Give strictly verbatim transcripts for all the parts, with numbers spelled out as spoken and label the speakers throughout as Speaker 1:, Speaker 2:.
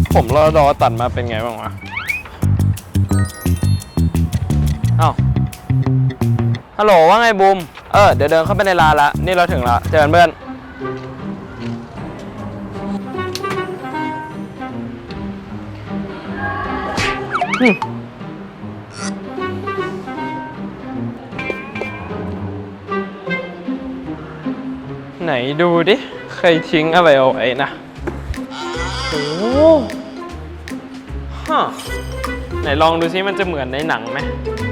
Speaker 1: ผมรอดอตัดมาเป็นไงบ้างวะอ้าวฮัลโหลว่าไงบูมเออเดี๋ยวเดินเข้าไปในร้านละนี่เราถึงละเจอกันเพื่อนไหนดูดิใครทิ้งอะไรเอาไว้นะโอ้ฮะไหนลองดูซิมันจะเหมือนในหนังไหม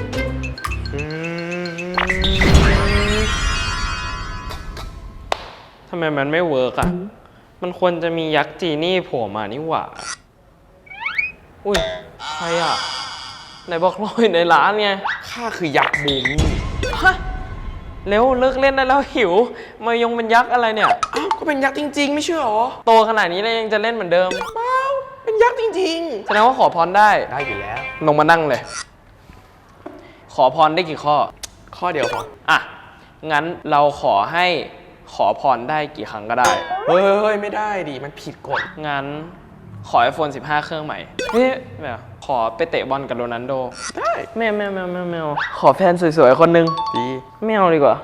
Speaker 1: ทำไมมันไม่เวิร์กอ่ะมันควรจะมียักษ์จีนี่โผล่มานี่หว่าอุ้ยใครอ่ะไหนบอกรออยู่ในร้านไง
Speaker 2: ข้าคือยักษ์บูมมี่
Speaker 1: ฮะเร็วเลิกเล่นได้แล้วหิวมายงเป็นยักษ์อะไรเนี่ย
Speaker 2: อ้าวก็เป็นยักษ์จริงๆไม่เชื่อหรอ
Speaker 1: โตขนาดนี้แล้วยังจะเล่นเหมือนเดิม
Speaker 2: เปล่าเป็นยักษ์จริง
Speaker 1: ๆแสดงว่าขอพรได้
Speaker 2: ได้อยู่แล้ว
Speaker 1: ลงมานั่งเลยขอพรได้กี่ข้อ
Speaker 2: ข้อเดียวพอ
Speaker 1: อ่ะงั้นเราขอให้ขอพรได้กี่ครั้งก็ได้
Speaker 2: เฮ้ยไม่ได้ดิมันผิดกฎ
Speaker 1: งั้นขอ ไอโฟน สิบห้า เครื่องใหม่เฮ้ยแบบขอไปเตะบอลกับโรนัลโด
Speaker 2: ได้
Speaker 1: แมวแมวแมวแมวแมวขอแฟนสวยๆคนนึง
Speaker 2: ดี
Speaker 1: แมวดีกว่า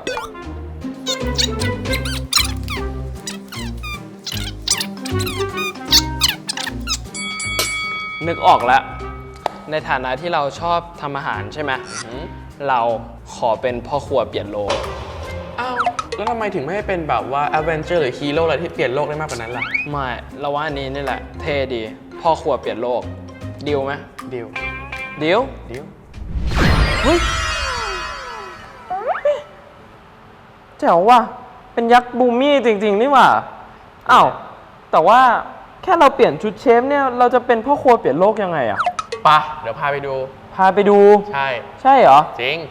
Speaker 1: นึกออกแล้วในฐานะที่เราชอบทำอาหารใช่ไหมเราขอเป็นพ่อครัวเปลี่ยนโลก
Speaker 2: อ้าวแล้วทำไมถึงไม่ให้เป็นแบบว่าแอดเวนเจอร์หรือฮีโร่อะไรที่เปลี่ยนโลกได้มากกว่านั้นล่ะ
Speaker 1: ไม่เราว่าอันนี้นี่แหละเท่ดีพ่อครัวเปลี่ยนโลกดีลไหม
Speaker 2: ดีล
Speaker 1: ดีล
Speaker 2: ดีล
Speaker 1: เฮ้ยเจ๋วว่ะเป็นยักษ์บูมมี่จริงๆนี่หว่าอ้าวแต่ว่าแค่เราเปลี่ยนชุดเชฟเนี่ยเราจะเป็นพ่อครัวเปลี่ยนโลกยังไงอะ
Speaker 2: ปะเดี๋ยวพาไปดู
Speaker 1: พาไปดู
Speaker 2: ใช่
Speaker 1: ใช่เหรอ
Speaker 2: จริง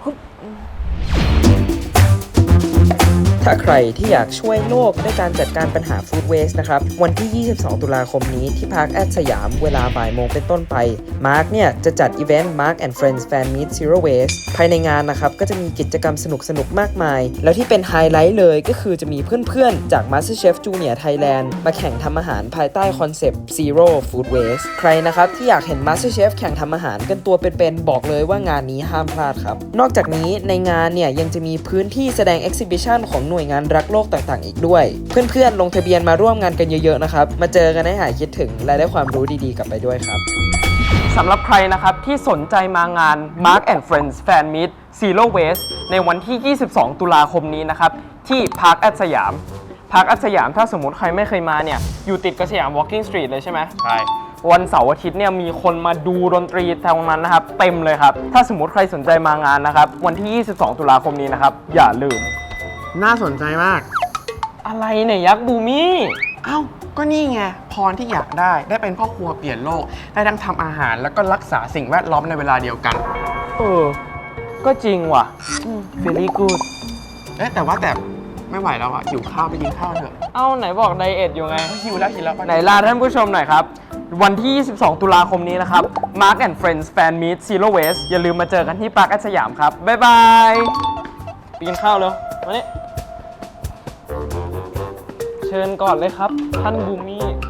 Speaker 3: ถ้าใครที่อยากช่วยโลกด้วยการจัดการปัญหาฟู้ดเวสต์นะครับวันที่ยี่สิบสองตุลาคมนี้ที่พาร์คแอดสยามเวลาบ่ายโมงเป็นต้นไปมาร์คเนี่ยจะจัดอีเวนต์ Mark and Friends Fan Meet Zero Waste ภายในงานนะครับก็จะมีกิจกรรมสนุกๆมากมายแล้วที่เป็นไฮไลท์เลยก็คือจะมีเพื่อนๆจาก MasterChef Junior Thailand มาแข่งทำอาหารภายใต้คอนเซปต์ Zero Food Waste ใครนะครับที่อยากเห็น MasterChef แข่งทำอาหารกันตัวเป็นๆบอกเลยว่างานนี้ห้ามพลาดครับนอกจากนี้ในงานเนี่ยยังจะมีพื้นที่แสดง Exhibition ของหน่วยงานรักโลกต่างๆอีกด้วยเพื่อนๆลงทะเบียนมาร่วมงานกันเยอะๆนะครับมาเจอกันให้หายคิดถึงและได้ความรู้ดีๆกลับไปด้วยครับ
Speaker 1: สำหรับใครนะครับที่สนใจมางาน Mark and Friends Fan Meet Zero Waste ในวันที่ยี่สิบสองตุลาคมนี้นะครับที่พาร์คแอดสยามพาร์คแอดสยามถ้าสมมติใครไม่เคยมาเนี่ยอยู่ติดกับสยาม Walking Street เลยใช่ไหม
Speaker 2: ใช่
Speaker 1: วันเสาร์อาทิตย์เนี่ยมีคนมาดูดนตรีตรงนั้นนะครับเต็มเลยครับถ้าสมมติใครสนใจมางานนะครับวันที่ยี่สิบสองตุลาคมนี้นะครับอย่าลืม
Speaker 2: น่าสนใจมาก
Speaker 1: อะไรเนี่ยยักษ์บูมี่
Speaker 2: เอ้าก็นี่ไงพรที่อยากได้ได้เป็นพ่อครัวเปลี่ยนโลกได้ทั้งทำอาหารแล้วก็รักษาสิ่งแวดล้อมในเวลาเดียวกัน
Speaker 1: เออก็จริงว่ะ very good
Speaker 2: เอ๊ะแต่ว่าแต่ไม่ไหวแล้วอ่ะหิวข้าวไปกินข้าวเถอะ
Speaker 1: เอ้าไหนบอกไดเอทอยู่ไง
Speaker 2: หิวแล้วหิวแล้ว
Speaker 1: ไหนลาท่านผู้ชมหน่อยครับวันที่ยี่สิบสองตุลาคมนี้นะครับ Mark and Friends Fan Meet Zero Waste อย่าลืมมาเจอกันที่ปาร์คแอดสยามครับบ๊ายบายไปกินข้าวเร็วมานี่เชิญก่อนเลยครับท่านบูมี่